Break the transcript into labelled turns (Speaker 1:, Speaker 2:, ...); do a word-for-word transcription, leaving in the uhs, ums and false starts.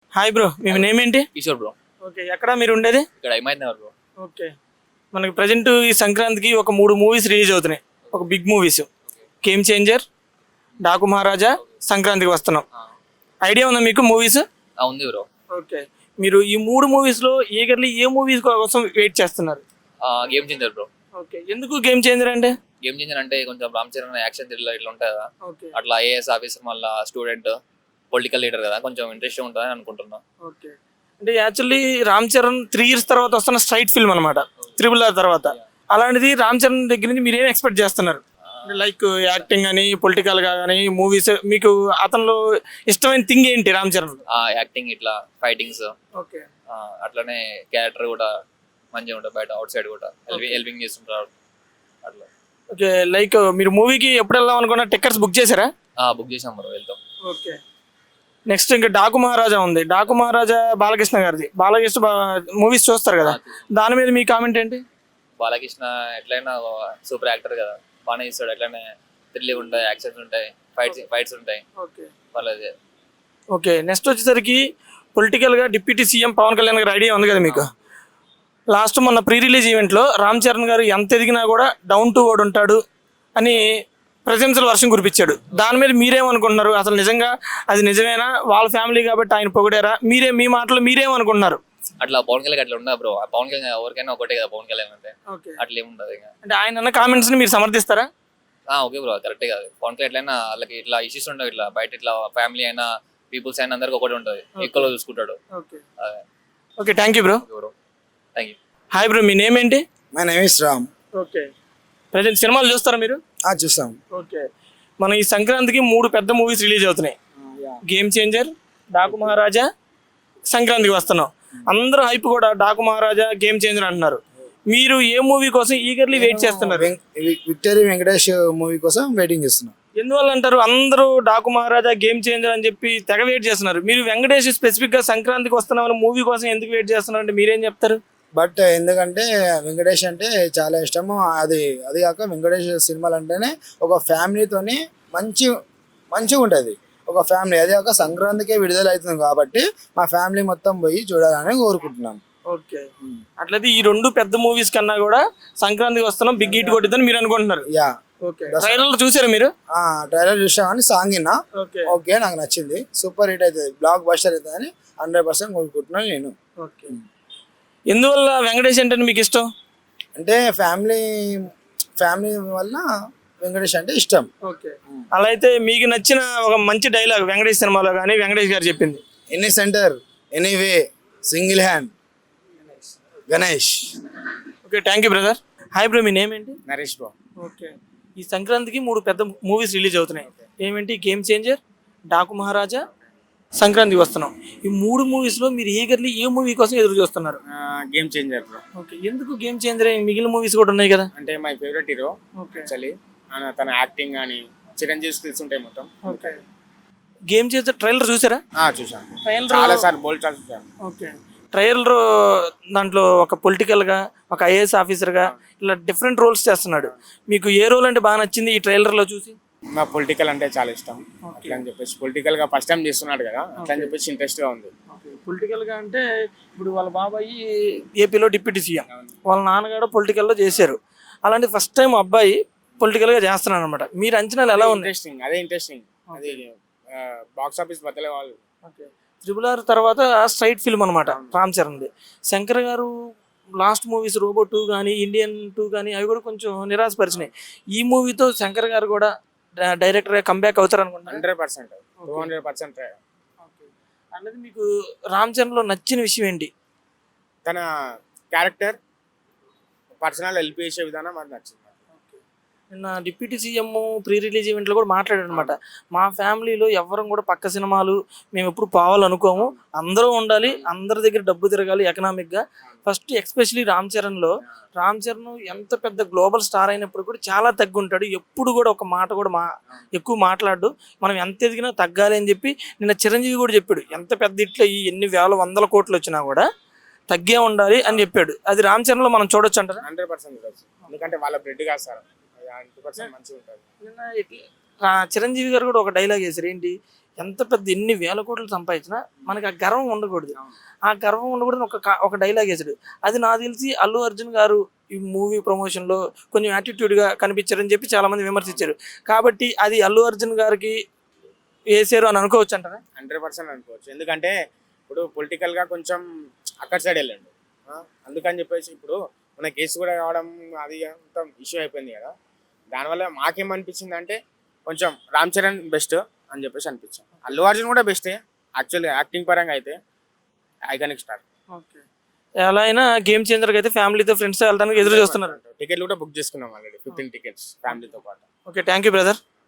Speaker 1: Hi bro, మీ name ఏంటి?
Speaker 2: Kishore bro.
Speaker 1: Okay, ఎక్కడ మీరు ఉండేది?
Speaker 2: ఇక్కడ హిమాయత్ నగర్ బ్రో.
Speaker 1: ఓకే, మనకి ప్రజెంట్ ఈ సంక్రాంతికి ఒక మూడు మూవీస్ రిలీజ్ అవుతున్నాయి, ఒక big movies. Game changer, Daaku మహారాజా, సంక్రాంతికి వస్తున్నాం. ఐడియా ఉందా మీకు మూవీస్?
Speaker 2: ఉంది బ్రో.
Speaker 1: ఓకే, మీరు ఈ మూడు మూవీస్లో ఈగర్లీ ఏ మూవీస్ కోసం వెయిట్ చేస్తున్నారు?
Speaker 2: Game changer bro.
Speaker 1: ఓకే, ఎందుకు గేమ్ చేంజర్ అంటే?
Speaker 2: గేమ్ చేంజర్ అంటే కొంచెం రామ్ చరణ్ యాక్షన్ థ్రిల్లర్ ఇట్లా ఉంటుంది కదా,
Speaker 1: ఓకే
Speaker 2: అట్లా ఐఏఎస్ ఆఫీసర్ మళ్ళీ స్టూడెంట్ పొలిటికల్ లీడర్ కదా, కొంచెం ఇంట్రెస్ట్ ఉంటుందని అనుకుంటున్నా.
Speaker 1: ఓకే, అంటే actually Ram Charan three years తర్వాత వస్తున్న స్ట్రైట్ ఫిల్మ్ అనమాట, త్రిబుల్ ఆర్ తర్వాత. అలాంటిది రామ్ చరణ్ దగ్గర నుంచి మీరు ఏం ఎక్స్పెక్ట్ చేస్తున్నారు? లైక్ యాక్టింగ్ అని, పొలిటికల్ గా కానీ, మూవీస్ మీకు అతనిలో ఇష్టమైన థింగ్ ఏంటి రామ్ చరణ్?
Speaker 2: యాక్టింగ్ ఇట్లా ఫైటింగ్స్,
Speaker 1: ఓకే
Speaker 2: అట్లనే క్యారెక్టర్ కూడా మంచిగా ఉంటుంది, బయట అవుట్ సైడ్ కూడా హెల్పింగ్ చేస్తుంటారు అట్లా.
Speaker 1: ఓకే, లైక్ మీరు మూవీకి ఎప్పుడు వెళ్దాం అనుకున్నా టికెట్స్ బుక్ చేశారా?
Speaker 2: బుక్ చేసాం బ్రో, వెళ్తాం.
Speaker 1: ఓకే, నెక్స్ట్ ఇంకా డాకు మహారాజా ఉంది. డాకు మహారాజా బాలకృష్ణ గారిది. బాలకృష్ణ మూవీస్ చూస్తారు కదా, దాని మీద మీ కామెంట్ ఏంటి?
Speaker 2: బాలకృష్ణ ఎట్లయినా సూపర్ యాక్టర్ కదా, బాగానే ఇస్తాడు. ఎట్లనే థ్రిల్ ఉంటాయి, యాక్షన్స్ ఉంటాయి, ఫైట్స్ ఫైట్స్ ఉంటాయి.
Speaker 1: ఓకే
Speaker 2: వాళ్ళది.
Speaker 1: ఓకే, నెక్స్ట్ వచ్చేసరికి పొలిటికల్గా డిప్యూటీ సీఎం పవన్ కళ్యాణ్ గారి ఐడియా ఉంది కదా మీకు. లాస్ట్ మొన్న ప్రీ రిలీజ్ ఈవెంట్లో రామ్ చరణ్ గారు ఎంత ఎదిగినా కూడా డౌన్ టు వర్డ్ ఉంటాడు అని ప్రశంసల వర్షం కురిపించాడు. దాని మీద మీరేమనుకుంటున్నారు? అసలు నిజంగా అది నిజమేనా? వాళ్ళ ఫ్యామిలీ కాబట్టి ఆయన పొగిడారా? మీరే మీ మాటలు మీరేమనుకుంటున్నారు?
Speaker 2: అట్లా పవన్ కళ్యాణ్ అట్లా ఉండదు బ్రో. పవన్ కళ్యాణ్ ఎవరికైనా ఒకటే కదా, పవన్ కళ్యాణ్ అంటే అట్లా ఏముండదు. ఇంకా అంటే
Speaker 1: ఆయన అన్న కామెంట్స్ ని మీరు సమర్థిస్తారా?
Speaker 2: ఓకే బ్రో, కరెక్టే కాదు. పవన్ కళ్యాణ్ ఎట్లయినా వాళ్ళకి ఇట్లా ఇష్యూస్ ఉండవు, ఇట్లా బయట ఇట్లా ఫ్యామిలీ అయినా పీపుల్స్ అయినా అందరికి ఒకటి ఉంటుంది, ఈక్వల్ చూసుకుంటాడు.
Speaker 1: Okay, thank you bro.
Speaker 2: Thank you.
Speaker 1: Hi bro, మీ నేమ్ ఏంటి?
Speaker 3: My name is Ram.
Speaker 1: Okay, present సినిమాలు చూస్తారా మీరు?
Speaker 3: చూస్తాం.
Speaker 1: ఓకే, మన ఈ సంక్రాంతికి మూడు పెద్ద మూవీస్ రిలీజ్ అవుతున్నాయి. గేమ్ చేంజర్, డాకు మహారాజా, సంక్రాంతికి వస్తున్నాం. అందరూ హైప్ కూడా డాకు మహారాజా, గేమ్ చేంజర్ అంటున్నారు. మీరు ఏ మూవీ కోసం ఈగర్లీ వెయిట్ చేస్తున్నారు?
Speaker 3: విక్టరీ వెంకటేష్ మూవీ కోసం వెయిటింగ్ చేస్తున్నాం.
Speaker 1: ఎందువల్ల అంటారు? అందరూ డాకు మహారాజా, గేమ్ చేంజర్ అని చెప్పి తెగ వెయిట్ చేస్తున్నారు. మీరు వెంకటేష్ స్పెసిఫిక్ గా సంక్రాంతికి వస్తున్నామని మూవీ కోసం ఎందుకు వెయిట్ చేస్తున్నారు అంటే మీరేం చెప్తారు?
Speaker 3: బట్ ఎందుకంటే వెంకటేష్ అంటే చాలా ఇష్టము. అది అది కాక వెంకటేష్ సినిమాలు అంటేనే ఒక ఫ్యామిలీతోని మంచి మంచిగా ఉంటుంది, ఒక ఫ్యామిలీ. అదే కాక సంక్రాంతికే విడుదల అవుతుంది కాబట్టి మా ఫ్యామిలీ మొత్తం పోయి చూడాలని కోరుకుంటున్నాం.
Speaker 1: ఓకే, అట్లయితే ఈ రెండు పెద్ద మూవీస్ కన్నా కూడా సంక్రాంతికి వస్తున్నాం బిగ్ హిట్ కొట్టిద్దని మీరు అనుకుంటున్నారు?
Speaker 3: యా.
Speaker 1: ఓకే, ట్రైలర్ చూసారా మీరు?
Speaker 3: ట్రైలర్ చూసాం కానీ సాంగ్ విన్నా. ఓకే, నాకు నచ్చింది. సూపర్ హిట్ అవుతుంది, బ్లాక్ బస్టర్ అవుతుంది అని హండ్రెడ్ పర్సెంట్ కోరుకుంటున్నాను నేను.
Speaker 1: ఓకే, ఎందువల్ల వెంకటేష్ అంటే మీకు ఇష్టం?
Speaker 3: అంటే ఫ్యామిలీ ఫ్యామిలీ వల్ల వెంకటేష్ అంటే ఇష్టం.
Speaker 1: ఓకే, అలా అయితే మీకు నచ్చిన ఒక మంచి డైలాగ్ వెంకటేష్ సినిమాలో కానీ వెంకటేష్ గారు చెప్పింది?
Speaker 3: Any center anyway single hand Ganesh.
Speaker 1: Okay, thank you brother. Hi bro, మీ నేమ్ ఏంటి?
Speaker 3: నరేష్ బ్రో.
Speaker 1: ఓకే, ఈ సంక్రాంతికి మూడు పెద్ద మూవీస్ రిలీజ్ అవుతున్నాయి. ఏమేంటి? గేమ్ చేంజర్, డాకు మహారాజా, సంక్రాంతికి వస్తున్నాం. ఈ మూడు మూవీస్లో మీరు ఈగర్లీ ఏ మూవీ కోసం ఎదురు చూస్తున్నారు?
Speaker 4: Game changer bro.
Speaker 1: ఓకే, ఎందుకు గేమ్ చేంజర్? మిగిలిన మూవీస్ కూడా ఉన్నాయి కదా.
Speaker 4: అంటే మై ఫేవరెట్ హీరో యాక్చువల్లీ. తన యాక్టింగ్ కానీ చిరంజీవి స్కిల్స్ ఉంటాయి మొత్తం.
Speaker 1: ఓకే, గేమ్ చేంజర్ ట్రైలర్ చూసారా?
Speaker 4: చూసాను,
Speaker 1: ట్రైలర్
Speaker 4: చాలా సార్ బోల్డ్ చూసాను.
Speaker 1: ఓకే, ట్రైలర్ దాంట్లో ఒక పొలిటికల్గా, ఒక ఐఏఎస్ ఆఫీసర్గా ఇలా డిఫరెంట్ రోల్స్ చేస్తున్నాడు. మీకు ఏ రోల్ అంటే బాగా నచ్చింది ఈ ట్రైలర్లో చూసి?
Speaker 4: మా పొలిటికల్ అంటే చాలా ఇష్టం. అట్లా అని చెప్పేసి పొలిటికల్ గా ఫస్ట్ టైం చేస్తున్నాడు కదా, అట్లా అని చెప్పేసి ఇంట్రెస్ట్ గా ఉంది.
Speaker 1: పొలిటికల్ గా అంటే ఇప్పుడు వాళ్ళ బాబాయి ఏపీలో డిప్యూటీ సీఎం, వాళ్ళ నాన్నగారు పొలిటికల్ లో చేశారు. అలాంటి ఫస్ట్ టైం అబ్బాయి పొలిటికల్ గా చేస్తున్నాడు అనమాట. మీరు అంచనాలు ఎలా ఉంది?
Speaker 4: ఇంట్రెస్టింగ్, అదే ఇంట్రెస్టింగ్. అది బాక్స్ ఆఫీస్ బద్దలే వాళ్ళు.
Speaker 1: త్రిబుల్ ఆర్ తర్వాత స్ట్రైట్ ఫిల్మ్ అనమాట రామ్ చరణ్ది. Shankar garu last movies Robo two కానీ, ఇండియన్ టూ కానీ అవి కూడా కొంచెం నిరాశపరిచినాయి. ఈ మూవీతో శంకర్ గారు కూడా డైరెక్టర్ కంబ్యాక్ అవుతారు అనుకుంటా.
Speaker 4: Hundred percent two hundred percent
Speaker 1: అన్నది మీకు రామ్ చరణ్ లో నచ్చిన విషయం ఏంటి?
Speaker 4: తన క్యారెక్టర్, పర్సనల్ హెల్ప్ చేసే విధానం అది నచ్చింది.
Speaker 1: నిన్న డిప్యూటీ సీఎం ప్రీ రిలీజ్ ఈవెంట్లో కూడా మాట్లాడాడు అనమాట. మా ఫ్యామిలీలో ఎవరం కూడా పక్క సినిమాలు మేము ఎప్పుడు పోవాలనుకోము, అందరూ ఉండాలి, అందరి దగ్గర డబ్బు తిరగాలి ఎకనామిక్గా. ఫస్ట్ ఎక్స్పెషలీ రామ్ చరణ్లో, రామ్ చరణ్ ఎంత పెద్ద గ్లోబల్ స్టార్ అయినప్పుడు కూడా చాలా తగ్గుంటాడు. ఎప్పుడు కూడా ఒక మాట కూడా మా ఎక్కువ మాట్లాడు. మనం ఎంత ఎదిగినా తగ్గాలి అని చెప్పి నిన్న చిరంజీవి కూడా చెప్పాడు. ఎంత పెద్ద ఇట్లా ఈ ఎన్ని వేల వందల కోట్లు వచ్చినా కూడా తగ్గే ఉండాలి అని చెప్పాడు. అది రామ్ చరణ్లో మనం చూడొచ్చు అంటారా?
Speaker 4: హండ్రెడ్ పర్సెంట్ చూడొచ్చు, ఎందుకంటే వాళ్ళ బ్లడ్ కాస్తారు. నిన్న
Speaker 1: చిరంజీవి గారు కూడా ఒక డైలాగ్ వేశారు ఏంటి, ఎంత పెద్ద ఎన్ని వేల కోట్లు సంపాదించినా మనకి ఆ గర్వం ఉండకూడదు. ఆ గర్వం ఉండకూడదు ఒక కా- ఒక డైలాగ్ వేసాడు. అది నాకు తెలిసి అల్లు అర్జున్ గారు ఈ మూవీ ప్రమోషన్లో కొంచెం యాటిట్యూడ్గా కనిపించారని చెప్పి చాలా మంది విమర్శించారు. కాబట్టి అది అల్లు అర్జున్ గారికి వేసారు అని అనుకోవచ్చు అంటారా?
Speaker 4: హండ్రెడ్ పర్సెంట్ అనుకోవచ్చు. ఎందుకంటే ఇప్పుడు పొలిటికల్గా కొంచెం అక్కడ సైడ్ వెళ్ళండు ఆ, అందుకని చెప్పేసి ఇప్పుడు మన కేసు కూడా కావడం అది మొత్తం ఇష్యూ అయిపోయింది కదా. దానివల్ల మాకేమనిపించింది అంటే కొంచెం రామ్ చరణ్ బెస్ట్ అని చెప్పేసి అనిపించింది. అల్లు అర్జున్ కూడా బెస్టే యాక్చువల్గా యాక్టింగ్ పరంగా అయితే ఐకానిక్ స్టార్.
Speaker 1: ఓకే. ఎలా అయినా గేమ్ చేంజర్కి అయితే ఫ్యామిలీతో ఫ్రెండ్స్తో వెళ్ళడానికి ఎదురు చూస్తున్నారు.
Speaker 4: టికెట్లు కూడా బుక్ చేసుకున్నాం ఆల్రెడీ ఫిఫ్టీన్ టికెట్స్ ఫ్యామిలీతో పాటు.
Speaker 1: Okay, thank you brother.